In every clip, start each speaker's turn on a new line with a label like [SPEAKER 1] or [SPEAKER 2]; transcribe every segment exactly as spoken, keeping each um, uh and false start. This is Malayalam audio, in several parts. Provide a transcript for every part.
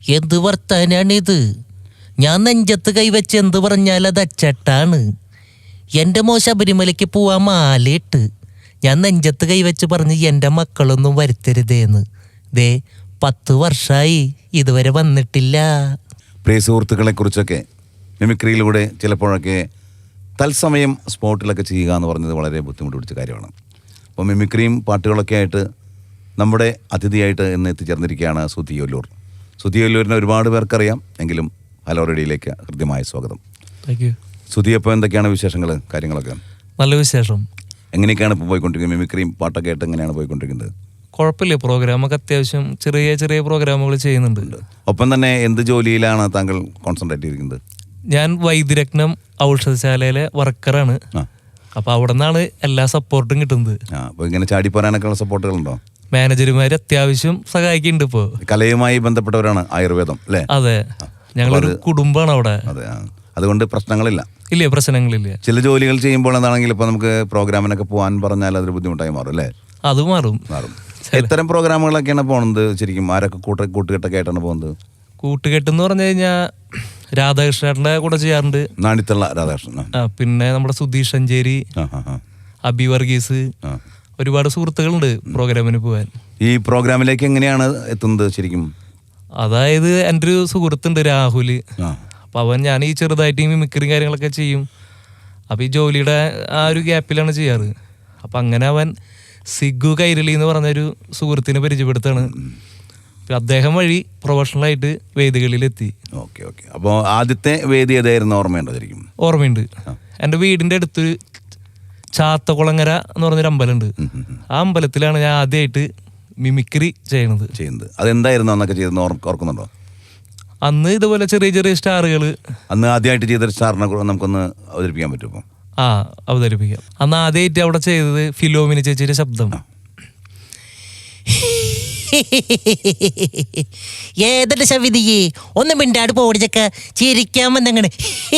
[SPEAKER 1] എന്ത് വർത്താനാണിത്? ഞാൻ നെഞ്ചത്ത് കൈവച്ച് എന്ത് പറഞ്ഞാൽ അത് അച്ചട്ടാണ്. എൻ്റെ മോ ശബരിമലയ്ക്ക് പോവാൻ മാലയിട്ട് ഞാൻ നെഞ്ചത്ത് കൈവച്ച് പറഞ്ഞ് എൻ്റെ മക്കളൊന്നും വരുത്തരുതേന്ന്. ദേ പത്ത് വർഷമായി ഇതുവരെ വന്നിട്ടില്ല.
[SPEAKER 2] പ്രിയ സുഹൃത്തുക്കളെ കുറിച്ചൊക്കെ മിമിക്രിയിലൂടെ ചിലപ്പോഴൊക്കെ തത്സമയം സ്പോട്ടിലൊക്കെ ചെയ്യുക എന്ന് പറഞ്ഞത് വളരെ ബുദ്ധിമുട്ട് പിടിച്ച കാര്യമാണ്. അപ്പോൾ മിമിക്രിയും പാട്ടുകളൊക്കെ ആയിട്ട് നമ്മുടെ അതിഥിയായിട്ട് ഇന്ന് എത്തിച്ചേർന്നിരിക്കുകയാണ് സുധി ഒല്ലൂർ. സുധി ഒല്ലൂരിനെ ഒരുപാട് പേർക്കറിയാം, എങ്കിലും ഹലോ റേഡിയോയിലേക്ക് ഹൃദ്യമായ സ്വാഗതം.
[SPEAKER 3] Thank you.
[SPEAKER 2] സുധി, അപ്പോൾ എന്തൊക്കെയാണ് വിശേഷങ്ങൾ, കാര്യങ്ങളൊക്കെ?
[SPEAKER 3] നല്ല വിശേഷം.
[SPEAKER 2] എങ്ങനെയൊക്കെയാണ് ഇപ്പോൾ പോയിക്കൊണ്ടിരിക്കുന്നത്? മിമിക്രിയും പാട്ടൊക്കെ ആയിട്ട് എങ്ങനെയാണ് പോയിക്കൊണ്ടിരിക്കുന്നത്?
[SPEAKER 3] കുഴപ്പമില്ല, പ്രോഗ്രാമൊക്കെ അത്യാവശ്യം ചെറിയ ചെറിയ പ്രോഗ്രാമുകൾ ചെയ്യുന്നുണ്ട്.
[SPEAKER 2] ഒപ്പം തന്നെ എന്ത് ജോലിയിലാണ് താങ്കൾ കോൺസെൻട്രേറ്റ് ചെയ്തിരിക്കുന്നത്?
[SPEAKER 3] ഞാൻ വൈദ്യരത്നം ഔഷധശാലയിലെ വർക്കറാണ്. അപ്പോൾ അവിടെ നിന്നാണ് എല്ലാ സപ്പോർട്ടും കിട്ടുന്നത്.
[SPEAKER 2] ആ, അപ്പോൾ ഇങ്ങനെ ചാടിപ്പോരാനൊക്കെയുള്ള സപ്പോർട്ടുകളുണ്ടോ?
[SPEAKER 3] മാനേജർമാർ അത്യാവശ്യം സഹായിക്കുന്നുണ്ട്. ഇപ്പോൾ
[SPEAKER 2] കലയുമായി ബന്ധപ്പെട്ടവരാണ് ആയുർവേദം അല്ലേ?
[SPEAKER 3] അതെ, ഞങ്ങളൊരു കുടുംബമാണ് അവിടെ.
[SPEAKER 2] അതെ, അതുകൊണ്ട് പ്രശ്നങ്ങളില്ല.
[SPEAKER 3] ഇല്ല, പ്രശ്നങ്ങളില്ല.
[SPEAKER 2] ചില ജോലികൾ ചെയ്യുമ്പോൾ എന്താണെങ്കിൽ ഇപ്പോൾ നമുക്ക് പ്രോഗ്രാമിനൊക്കെ പോകാൻ പറഞ്ഞാൽ അതൊരു ബുദ്ധിമുട്ടായി മാറും അല്ലേ?
[SPEAKER 3] അത് മാറും
[SPEAKER 2] മാറും എത്തരം പ്രോഗ്രാമുകളൊക്കെയാണ് പോകുന്നത്? ശരിക്കും ആരൊക്കെ കൂട്ട കൂട്ടുകെട്ടൊക്കെ ആയിട്ടാണ് പോകുന്നത്?
[SPEAKER 3] കൂട്ടുകെട്ടെന്ന് പറഞ്ഞു കഴിഞ്ഞാൽ രാധാകൃഷ്ണന്റെ കൂടെ ചെയ്യാറുണ്ട്.
[SPEAKER 2] നാണിത്തുള്ള രാധാകൃഷ്ണൻ,
[SPEAKER 3] പിന്നെ നമ്മുടെ സുധീഷ് സഞ്ചേരി, അബി വർഗീസ്, ഒരുപാട് സുഹൃത്തുക്കളുണ്ട് പ്രോഗ്രാമിന് പോകാൻ.
[SPEAKER 2] ഈ പ്രോഗ്രാമിലേക്ക് എങ്ങനെയാണ് എത്തുന്നത് ശരിക്കും?
[SPEAKER 3] അതായത് എൻ്റെ ഒരു സുഹൃത്തുണ്ട് രാഹുൽ. അപ്പം അവൻ ഞാൻ ഈ ചെറുതായിട്ട് ഈ മിമിക്രിയും കാര്യങ്ങളൊക്കെ ചെയ്യും. അപ്പം ഈ ജോലിയുടെ ആ ഒരു ഗ്യാപ്പിലാണ് ചെയ്യാറ്. അപ്പം അങ്ങനെ അവൻ സിഗു കൈരളി എന്ന് പറഞ്ഞൊരു സുഹൃത്തിനെ പരിചയപ്പെടുത്താണ്. അദ്ദേഹം വഴി പ്രൊഫഷണലായിട്ട് വേദികളിലെത്തി.
[SPEAKER 2] ഓക്കെ ഓക്കെ അപ്പോൾ ആദ്യത്തെ വേദി ഏതായിരുന്നു, ഓർമ്മയുണ്ടോ ശരിക്കും?
[SPEAKER 3] ഓർമ്മയുണ്ട്. എൻ്റെ വീടിൻ്റെ അടുത്തൊരു ചാത്തകുളങ്ങര എന്ന് പറഞ്ഞൊരു അമ്പലമുണ്ട്. ആ അമ്പലത്തിലാണ് ഞാൻ ആദ്യമായിട്ട് മിമിക്രി ചെയ്യണത്
[SPEAKER 2] ചെയ്യുന്നത് അതെന്തായിരുന്നു അന്നൊക്കെ ചെയ്തെന്ന് ഓർക്കുന്നുണ്ടോ?
[SPEAKER 3] അന്ന് ഇതുപോലെ ചെറിയ ചെറിയ സ്റ്റാറുകൾ.
[SPEAKER 2] അന്ന് ആദ്യമായിട്ട് ചെയ്തൊരു സ്റ്റാറിനെ നമുക്കൊന്ന് അവതരിപ്പിക്കാൻ പറ്റുമോ?
[SPEAKER 3] ആ, അവതരിപ്പിക്കാം. അന്ന് ആദ്യമായിട്ട് അവിടെ ചെയ്തത് ഫിലോമിന ചേച്ചിയുടെ ശബ്ദം.
[SPEAKER 1] ഏതൊരു ശവിതിയെ ഒന്ന് മിണ്ടാട് പോടിച്ചൊക്കെ ചിരിക്കാൻ വന്നങ്ങനെ.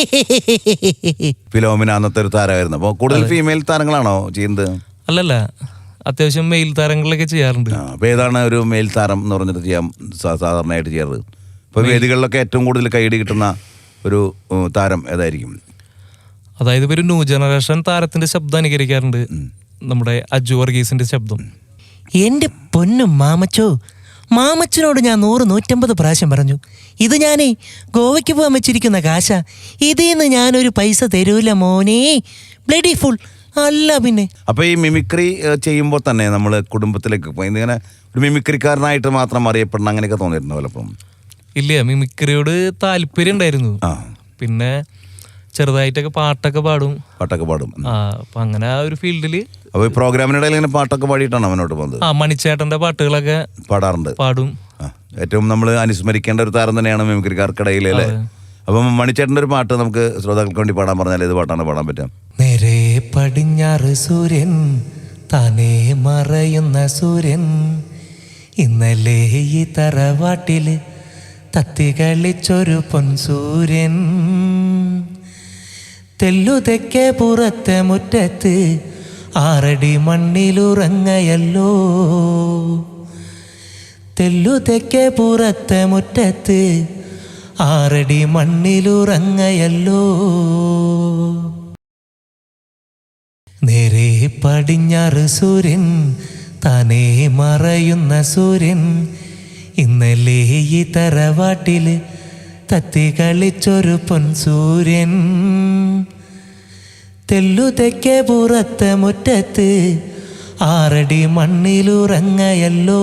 [SPEAKER 2] ഫിലോമിന അന്നത്തെ ഒരു താരമായിരുന്നു. അപ്പോൾ കൂടുതൽ ഫീമെയിൽ താരങ്ങളാണോ ചെയ്യുന്നത്?
[SPEAKER 3] അല്ലല്ല, അത്യാവശ്യം മെയിൽ താരങ്ങളൊക്കെ ചെയ്യാറുണ്ട്.
[SPEAKER 2] അപ്പോൾ ഏതാണ് ഒരു മെയിൽ താരം എന്ന് പറഞ്ഞിട്ട് ചെയ്യാൻ സാധാരണയായിട്ട് ചെയ്യാറ്? ഇപ്പോൾ വേദികളിലൊക്കെ ഏറ്റവും കൂടുതൽ കൈയടി കിട്ടുന്ന ഒരു താരം ഏതായിരിക്കും?
[SPEAKER 3] അതായത് ഒരു ന്യൂ ജനറേഷൻ താരത്തിന്റെ ശബ്ദം അനുകരിക്കാറുണ്ട്, നമ്മുടെ അജു വർഗീസിന്റെ ശബ്ദം.
[SPEAKER 1] എൻ്റെ പൊന്നും മാമച്ചോ, മാമച്ചനോട് ഞാൻ നൂറ് നൂറ്റമ്പത് പ്രാവശ്യം പറഞ്ഞു, ഇത് ഞാനേ ഗോവയ്ക്ക് പോകാൻ വെച്ചിരിക്കുന്ന കാശ, ഇതിൽ നിന്ന് ഞാനൊരു പൈസ തരൂല മോനെ, ബ്ലഡി ഫുൾ അല്ല പിന്നെ.
[SPEAKER 2] അപ്പോൾ ഈ മിമിക്രി ചെയ്യുമ്പോൾ തന്നെ നമ്മൾ കുടുംബത്തിലേക്ക് പോയി ഇങ്ങനെ ഒരു മിമിക്രിക്കാരനായിട്ട് മാത്രം അറിയപ്പെടണം അങ്ങനെയൊക്കെ തോന്നിയിരുന്നു പലപ്പം?
[SPEAKER 3] ഇല്ല, മിമിക്രിയോട് താല്പര്യം ഉണ്ടായിരുന്നു. പിന്നെ ചെറുതായിട്ടൊക്കെ പാട്ടൊക്കെ പാടും.
[SPEAKER 2] പാട്ടൊക്കെ പാടും.
[SPEAKER 3] ആ, അപ്പൊ അങ്ങനെ ആ ഒരു ഫീൽഡില്.
[SPEAKER 2] അപ്പോൾ ഈ പ്രോഗ്രാമിനിടയിൽ ഇങ്ങനെ പാട്ടൊക്കെ പാടിയിട്ടാണ് അവനോട്ട് പോകുന്നത്?
[SPEAKER 3] ആ, മണിച്ചേട്ടന്റെ പാട്ടുകളൊക്കെ പാടാറുണ്ട്, പാടും.
[SPEAKER 2] ഏറ്റവും നമ്മൾ അനുസ്മരിക്കേണ്ട ഒരു താരം തന്നെയാണ് മിമിക്രിക്കാർക്കിടയിൽ അല്ലേ? അപ്പം മണിച്ചേട്ടൻ്റെ ഒരു പാട്ട് നമുക്ക് ശ്രോതാക്കൾക്ക് വേണ്ടി പാടാൻ പറഞ്ഞാൽ ഏത് പാട്ടാണ് പാടാൻ പറ്റാം?
[SPEAKER 1] നേരെ പടിഞ്ഞാറ് സൂര്യൻ താനേ മറയുന്ന സൂര്യൻ, ഇന്നലെ ഈ തറവാട്ടില് തത്തി കളിച്ചൊരു പൊൻസൂര്യൻ, തെല്ലുതെക്കെ പുറത്തെ മുറ്റത്ത് ആറടി മണ്ണിലുറങ്ങയല്ലോ, തെല്ലുതെക്കെ പുറത്തെ മുറ്റത്ത് ആറടി മണ്ണിലുറങ്ങയല്ലോ, നേരെ പടിഞ്ഞാറ് സൂര്യൻ താനേ മറയുന്ന സൂര്യൻ, ഇന്നലെ ഈ തറവാട്ടില് തത്തി കളിച്ചൊരു പൊൻസൂര്യൻ, തെല്ലുതെക്കെ പുറത്തെ മുറ്റത്ത് ആറടി മണ്ണിലുറങ്ങയല്ലോ.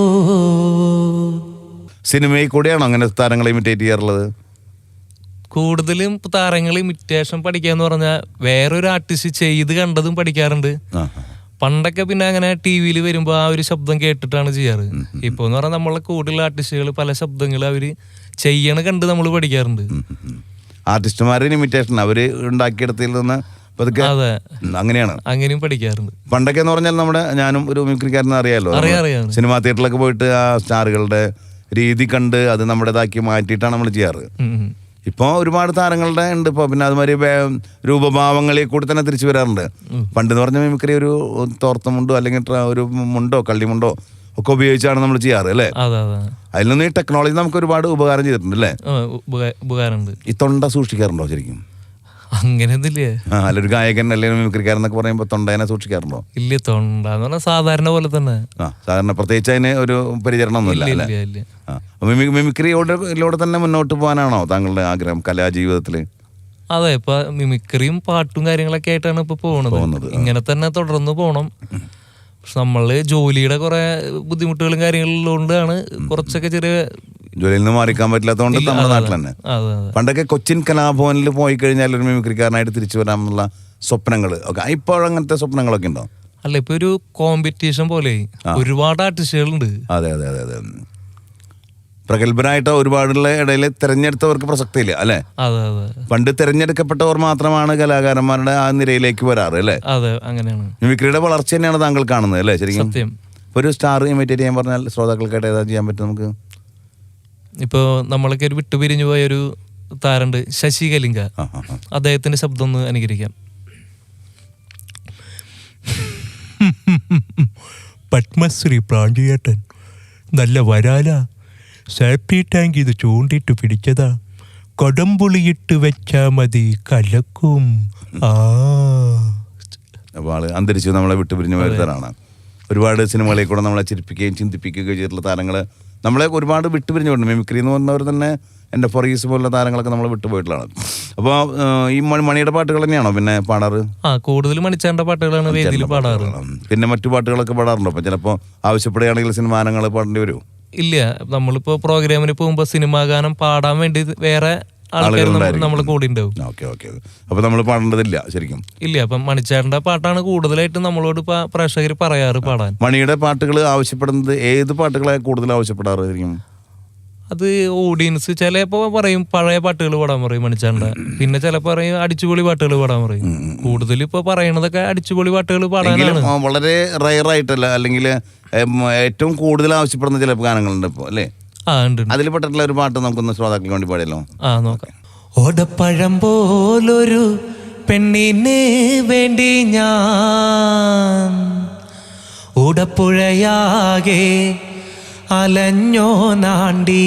[SPEAKER 2] സിനിമയിൽ കൂടെയാണോ അങ്ങനെ താരങ്ങളെ ഇമിറ്റേറ്റ് ചെയ്യാറുള്ളത്?
[SPEAKER 3] കൂടുതലും താരങ്ങൾ ഇമിറ്റേഷൻ പഠിക്കാന്ന് പറഞ്ഞാൽ വേറൊരു ആർട്ടിസ്റ്റ് ചെയ്ത് കണ്ടതും പഠിക്കാറുണ്ട്. പണ്ടൊക്കെ പിന്നെ അങ്ങനെ ടി വിയിൽ വരുമ്പോൾ ആ ഒരു ശബ്ദം കേട്ടിട്ടാണ് ചെയ്യാറ്. ഇപ്പോൾ എന്ന് പറഞ്ഞാൽ നമ്മളെ കൂടുതൽ ആർട്ടിസ്റ്റുകൾ പല ശബ്ദങ്ങൾ അവര് ചെയ്യണ കണ്ട് നമ്മൾ പഠിക്കാറുണ്ട്.
[SPEAKER 2] ആർട്ടിസ്റ്റുമാരുടെ ഇമിറ്റേഷൻ അവര് ഉണ്ടാക്കിയെടുത്തതിൽ നിന്ന്
[SPEAKER 3] അതെ,
[SPEAKER 2] അങ്ങനെയാണ്,
[SPEAKER 3] അങ്ങനെയും പഠിക്കാറുണ്ട്.
[SPEAKER 2] പണ്ടൊക്കെ എന്ന് പറഞ്ഞാൽ നമ്മുടെ ഞാനും ഒരു മിമിക്രിക്കാരനെ അറിയാലോ, സിനിമാ തിയേറ്ററിലൊക്കെ പോയിട്ട് ആ സ്റ്റാറുകളുടെ രീതി കണ്ട് അത് നമ്മുടേതാക്കി മാറ്റിയിട്ടാണ് നമ്മൾ ചെയ്യാറ്. ഇപ്പോൾ ഒരുപാട് താരങ്ങളുടെ ഉണ്ട് ഇപ്പോൾ. പിന്നെ അതുമാതിരി രൂപഭാവങ്ങളിൽ കൂടി തന്നെ തിരിച്ചു വരാറുണ്ട്. പണ്ട് എന്ന് പറഞ്ഞ മിമിക്രി ഒരു തോർത്ത മുണ്ടോ അല്ലെങ്കിൽ ഒരു മുണ്ടോ കള്ളിമുണ്ടോ ഒക്കെ ഉപയോഗിച്ചാണ് നമ്മൾ ചെയ്യാറ് അല്ലേ?
[SPEAKER 3] അതെ അതെ.
[SPEAKER 2] അതിൽ നിന്ന് ഈ ടെക്നോളജി നമുക്ക് ഒരുപാട് ഉപകാരം ചെയ്തിട്ടുണ്ട് അല്ലേ?
[SPEAKER 3] ഉപകാരമുണ്ട്.
[SPEAKER 2] ഈ തൊണ്ട സൂക്ഷിക്കാറുണ്ടോ ശരിക്കും?
[SPEAKER 3] അങ്ങനെയൊന്നുമില്ലേ?
[SPEAKER 2] ആ അല്ലൊരു ഗായകൻ അല്ലെങ്കിൽ മിമിക്രിക്കാരെന്നൊക്കെ പറയുമ്പോൾ തൊണ്ടേനെ സൂക്ഷിക്കാറുണ്ടോ?
[SPEAKER 3] ഇല്ല, തൊണ്ട എന്ന് പറഞ്ഞാൽ സാധാരണ പോലെ തന്നെ.
[SPEAKER 2] ആ സാധാരണ പ്രത്യേകിച്ച് അതിന് ഒരു പരിചരണം ഒന്നുമില്ല അല്ലേ? ആ മിമിക്രിയോടെ തന്നെ മുന്നോട്ട് പോകാനാണോ താങ്കളുടെ ആഗ്രഹം കലാജീവിതത്തിൽ?
[SPEAKER 3] അതെ, ഇപ്പൊ മിമിക്രിയും പാട്ടും കാര്യങ്ങളൊക്കെ ആയിട്ടാണ് ഇപ്പൊ പോകുന്നത്. ഇങ്ങനെ തന്നെ തുടർന്ന് പോണം. പക്ഷെ നമ്മള് ജോലിയുടെ കുറെ ബുദ്ധിമുട്ടുകളും കാര്യങ്ങളിലുകൊണ്ടാണ് കുറച്ചൊക്കെ ചെറിയ
[SPEAKER 2] ജോലിയിൽ നിന്ന് മാറിക്കാൻ പറ്റില്ലാത്തതുകൊണ്ട് നമ്മുടെ നാട്ടിൽ തന്നെ. പണ്ടൊക്കെ കൊച്ചിൻ കലാഭവനിൽ പോയി കഴിഞ്ഞാൽ ഒരു മിമിക്രിക്കാരനായിട്ട് തിരിച്ചു വരാമെന്നുള്ള സ്വപ്നങ്ങൾ ഒക്കെ ഇപ്പോഴങ്ങനത്തെ സ്വപ്നങ്ങളൊക്കെ ഉണ്ടോ?
[SPEAKER 3] അല്ല, ഇപ്പൊ ഒരു കോമ്പറ്റീഷൻ പോലെ ഒരുപാട് ആർട്ടിസ്റ്റുകളുണ്ട്.
[SPEAKER 2] അതെ അതെ അതെ അതെ പ്രഗത്ഭരായിട്ട് ഒരുപാടുള്ള ഇടയിൽ തിരഞ്ഞെടുത്തവർക്ക് പ്രസക്തി ഇല്ല അല്ലെ?
[SPEAKER 3] അതെ അതെ.
[SPEAKER 2] പണ്ട് തിരഞ്ഞെടുക്കപ്പെട്ടവർ മാത്രമാണ് കലാകാരന്മാരുടെ ആ നിരയിലേക്ക് വരാറ് അല്ലേ?
[SPEAKER 3] അതെ, അങ്ങനെയാണ്.
[SPEAKER 2] മിമിക്രിയുടെ വളർച്ച തന്നെയാണ് താങ്കൾ കാണുന്നത് അല്ലേ? ശരിക്കും
[SPEAKER 3] സത്യം.
[SPEAKER 2] ഒരു സ്റ്റാർ ഇമിറ്റേറ്റ് ചെയ്യാൻ പറഞ്ഞാൽ ശ്രോതാക്കൾക്കായിട്ട് ഏതാ ചെയ്യാൻ പറ്റും നമുക്ക്?
[SPEAKER 3] ഇപ്പൊ നമ്മളൊക്കെ ഒരു വിട്ടുപിരിഞ്ഞു പോയ ഒരു താരണ്ട് ശശി കലിംഗ. അദ്ദേഹത്തിന്റെ ശബ്ദം ഒന്ന് അനുകരിക്കാം.
[SPEAKER 4] പത്മശ്രീ പ്രാഞ്ചിയേട്ടൻ നല്ല വരാല, സേഫ്റ്റി ടാങ്ക് ഇത് ചൂണ്ടിട്ട് പിടിച്ചതാ, കൊടംപുളിയിട്ട് വെച്ചാ മതി കലക്കും. ആ
[SPEAKER 2] അപ്പോൾ ആള് അന്തരിച്ചു നമ്മളെ വിട്ടുപിരിഞ്ഞു വരുത്തരാണ്. ഒരുപാട് സിനിമകളിൽ കൂടെ നമ്മളെ ചിരിപ്പിക്കുകയും ചിന്തിപ്പിക്കുകയും ചെയ്തിട്ടുള്ള താരങ്ങൾ നമ്മളെ ഒരുപാട് വിട്ടുപിരിഞ്ഞുകൊണ്ട് മിമിക്രി എന്ന് പറഞ്ഞവർ തന്നെ എൻ്റെ ഫൊറീസ് പോലുള്ള താരങ്ങളൊക്കെ നമ്മൾ വിട്ടുപോയിട്ടുള്ളതാണ്. അപ്പോൾ ഈ മണിയുടെ പാട്ടുകൾ തന്നെയാണോ പിന്നെ പാടാറ്?
[SPEAKER 3] ആ കൂടുതൽ മണിച്ചാണ്ട പാട്ടുകളാണ് വേദിയിൽ പാടാറ്.
[SPEAKER 2] പിന്നെ മറ്റു പാട്ടുകളൊക്കെ പാടാറുണ്ടോ? അപ്പം ചിലപ്പോൾ ആവശ്യപ്പെടുകയാണെങ്കിൽ സിനിമാനങ്ങൾ പാടേണ്ടി വരുമോ?
[SPEAKER 3] ഇല്ല, നമ്മളിപ്പോ പ്രോഗ്രാമിന് പോകുമ്പോ സിനിമാ ഗാനം പാടാൻ വേണ്ടി വേറെ ആൾക്കാർ നമ്മളെ കൂടെ ഉണ്ടാവും.
[SPEAKER 2] Okay okay. അപ്പൊ നമ്മൾ പാടേണ്ടതില്ല ശരിക്കും?
[SPEAKER 3] ഇല്ല, അപ്പം മണിച്ചേട്ടന്റെ പാട്ടാണ് കൂടുതലായിട്ട് നമ്മളോട് പ്രേക്ഷകർ പറയാറ് പാടാൻ.
[SPEAKER 2] മണിയുടെ പാട്ടുകൾ ആവശ്യപ്പെടുന്നത് ഏത് പാട്ടുകളെ കൂടുതൽ ആവശ്യപ്പെടാറ് ശരിക്കും?
[SPEAKER 3] അത് ഓഡിയൻസ് ചിലപ്പോ പറയും പഴയ പാട്ടുകൾ പാടാൻ പറയും മണിച്ചാണ്ട, പിന്നെ ചിലപ്പോ പറയും അടിച്ചുപൊളി പാട്ടുകൾ പാടാൻ പറയും. കൂടുതൽ ഇപ്പൊ പറയണതൊക്കെ അടിച്ചുപൊളി പാട്ടുകൾ പാടാനാണ്.
[SPEAKER 2] വളരെ റയർ ആയിട്ടല്ല, അല്ലെങ്കിൽ ഏറ്റവും കൂടുതൽ ആവശ്യപ്പെടുന്ന ചില ഗാനങ്ങളുണ്ട് ഇപ്പൊ അല്ലേ?
[SPEAKER 3] ആ ഉണ്ട്.
[SPEAKER 2] അതിൽ പെട്ടിട്ടുള്ള ഒരു പാട്ട് നമുക്കൊന്ന് ശ്രോതാക്കൾക്ക് വേണ്ടി പാടിയല്ലോ.
[SPEAKER 3] ആ നോക്കാം.
[SPEAKER 1] ഓടപ്പഴം പോലൊരു പെണ്ണിന് വേണ്ടി ഞാൻ ഓടപ്പുഴയാകെ അലഞ്ഞോ നാണ്ടി,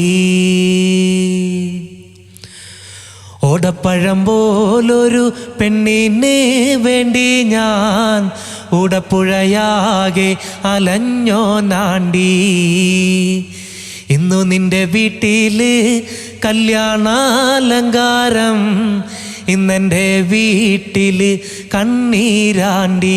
[SPEAKER 1] ഓടപ്പഴം പോലൊരു പെണ്ണിന് വേണ്ടി ഞാൻ ഓടപ്പുഴയാകെ അലഞ്ഞോ നാണ്ടി, ഇന്നു നിന്റെ വീട്ടില് കല്യാണാലങ്കാരം, ഇന്നെൻ്റെ വീട്ടില് കണ്ണീരാണ്ടി,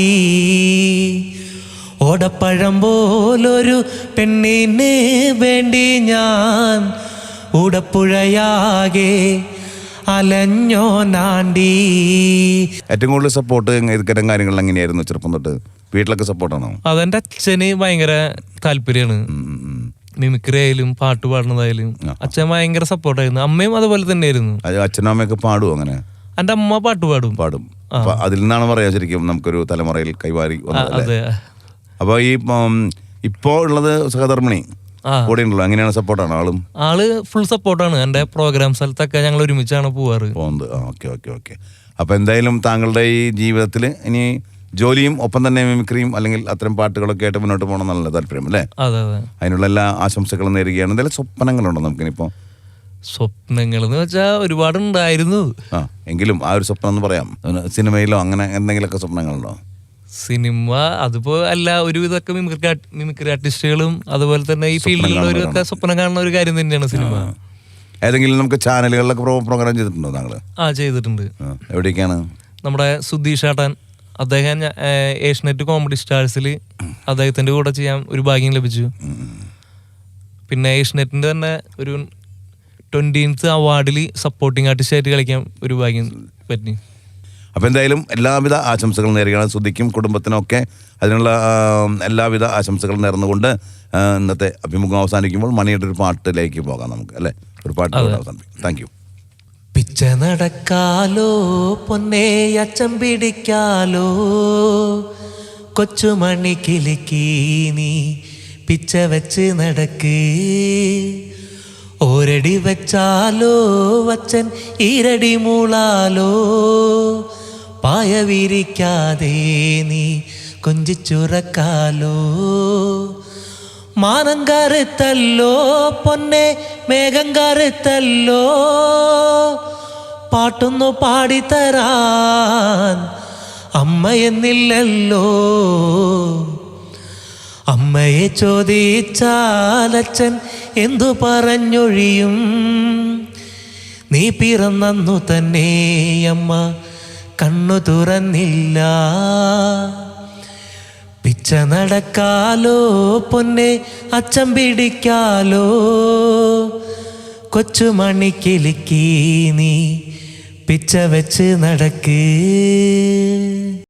[SPEAKER 1] ഓടപ്പഴം പോലൊരു പെണ്ണിന് വേണ്ടി ഞാൻ ഓടപ്പുഴയാകെ അലഞ്ഞോ നാണ്ടി.
[SPEAKER 2] ഏറ്റവും കൂടുതൽ സപ്പോർട്ട് ഇത്തരം കാര്യങ്ങളിൽ എങ്ങനെയായിരുന്നു ചെറുപ്പം തൊട്ട്? വീട്ടിലൊക്കെ സപ്പോർട്ടാണോ?
[SPEAKER 3] അതെന്റെ അച്ഛന് ഭയങ്കര താല്പര്യമാണ്. മിമിക്രി ആയാലും പാട്ട് പാടുന്നതായാലും അച്ഛൻ ഭയങ്കര സപ്പോർട്ടായിരുന്നു. അമ്മയും അതുപോലെ തന്നെയായിരുന്നു.
[SPEAKER 2] അച്ഛനും അമ്മയൊക്കെ പാടുവോ? അങ്ങനെ
[SPEAKER 3] എന്റെ അമ്മ പാട്ട് പാടും
[SPEAKER 2] പാടും അതിൽ നിന്നാണ് പറയാ ശരിക്കും നമുക്കൊരു തലമുറയിൽ കൈവാരി.
[SPEAKER 3] അതെ.
[SPEAKER 2] അപ്പൊ ഈ ഇപ്പോ ഉള്ളത് സഹധർമ്മിണി കൂടെ ഉണ്ടല്ലോ, അങ്ങനെയാണ് സപ്പോർട്ടാണ് ആളും?
[SPEAKER 3] ആള് ഫുൾ സപ്പോർട്ടാണ്. എന്റെ പ്രോഗ്രാം സ്ഥലത്തൊക്കെ ഞങ്ങൾ ഒരുമിച്ചാണ് പോവാറ്
[SPEAKER 2] പോകുന്നത്. Okay okay okay. അപ്പൊ എന്തായാലും താങ്കളുടെ ഈ ജീവിതത്തിൽ ഇനി ജോലിയും ഒപ്പം തന്നെ മിമിക്രിയും അല്ലെങ്കിൽ അത്തരം പാട്ടുകളൊക്കെ ആയിട്ട് മുന്നോട്ട് പോകണം എന്നുള്ള താല്പര്യം അല്ലേ?
[SPEAKER 3] അതെ അതെ.
[SPEAKER 2] അതിനുള്ള എല്ലാ ആശംസകളും നേരുകയാണ്. എന്തെങ്കിലും സ്വപ്നങ്ങളുണ്ടോ നമുക്കിനിപ്പോ?
[SPEAKER 3] സ്വപ്നങ്ങൾ എന്ന് വെച്ചാൽ ഒരുപാട് ഉണ്ടായിരുന്നു.
[SPEAKER 2] ആ എങ്കിലും ആ ഒരു സ്വപ്നം എന്ന് പറയാം, സിനിമയിലോ അങ്ങനെ എന്തെങ്കിലുമൊക്കെ സ്വപ്നങ്ങളുണ്ടോ?
[SPEAKER 3] സിനിമ അതിപ്പോ അല്ല, ഒരുവിധമൊക്കെ മിമിക്രി മിമിക്രി ആർട്ടിസ്റ്റുകളും അതുപോലെ തന്നെ ഈ ഫീൽഡിലുള്ളവരൊക്കെ സ്വപ്നം കാണുന്ന ഒരു കാര്യം തന്നെയാണ് സിനിമ.
[SPEAKER 2] ഏതെങ്കിലും നമുക്ക് ചാനലുകളിലൊക്കെ പ്രോഗ്രാം ചെയ്തിട്ടുണ്ടോ താങ്കള്?
[SPEAKER 3] ആ ചെയ്തിട്ടുണ്ട്.
[SPEAKER 2] എവിടേക്കാണ്?
[SPEAKER 3] നമ്മുടെ സുധീഷ് ഏട്ടൻ, അദ്ദേഹം ഏഷ്യനെറ്റ് കോമഡി സ്റ്റാർസിൽ അദ്ദേഹത്തിന്റെ കൂടെ ചെയ്യാൻ ഒരു ഭാഗ്യം ലഭിച്ചു. പിന്നെ ഏഷ്യനെറ്റിന്റെ തന്നെ ഒരു ട്വന്റീൻത്ത് അവാർഡിൽ സപ്പോർട്ടിംഗ് ആർട്ടിസ്റ്റ് ആയിട്ട് കളിക്കാൻ ഒരു ഭാഗ്യം പറ്റി.
[SPEAKER 2] അപ്പോൾ എന്തായാലും എല്ലാവിധ ആശംസകളും നേരുകയാണ് സുധിക്കും കുടുംബത്തിനും ഒക്കെ. അതിനുള്ള എല്ലാവിധ ആശംസകളും നേർന്നുകൊണ്ട് ഇന്നത്തെ അഭിമുഖം അവസാനിക്കുമ്പോൾ മണിയുടെ ഒരു പാട്ടിലേക്ക് പോകാം നമുക്ക് അല്ലേ? ഒരു പാട്ട് അവസാനിപ്പിക്കും. Thank you.
[SPEAKER 1] പിച്ച നടക്കാലോ പൊന്നേ അച്ചം പിടിക്കാലോ, കൊച്ചുമണി കിലുക്കി നീ പിച്ച വെച്ച് നടക്ക്, ഓരടി വെച്ചാലോ വച്ചൻ ഈരടി മൂളാലോ, പായ വിരിക്കാതെ നീ കൊഞ്ചിച്ചുറക്കാലോ, മാനം കറുത്തല്ലോ പൊന്നെ മേഘം കറുത്തല്ലോ, പാട്ടൊന്നു പാടിത്തരാൻ അമ്മയെന്നില്ലല്ലോ. അമ്മയെ ചോദിച്ചാലച്ഛൻ എന്തു പറഞ്ഞൊഴിയും, നീ പിറന്നു തന്നെ അമ്മ കണ്ണു തുറന്നില്ല. പിച്ച നടക്കാലോ പൊന്നെ അച്ഛൻ പിടിക്കാലോ, കൊച്ചുമണിക്കിലുക്കി നീ പിച്ച വെച്ച് നടക്ക്.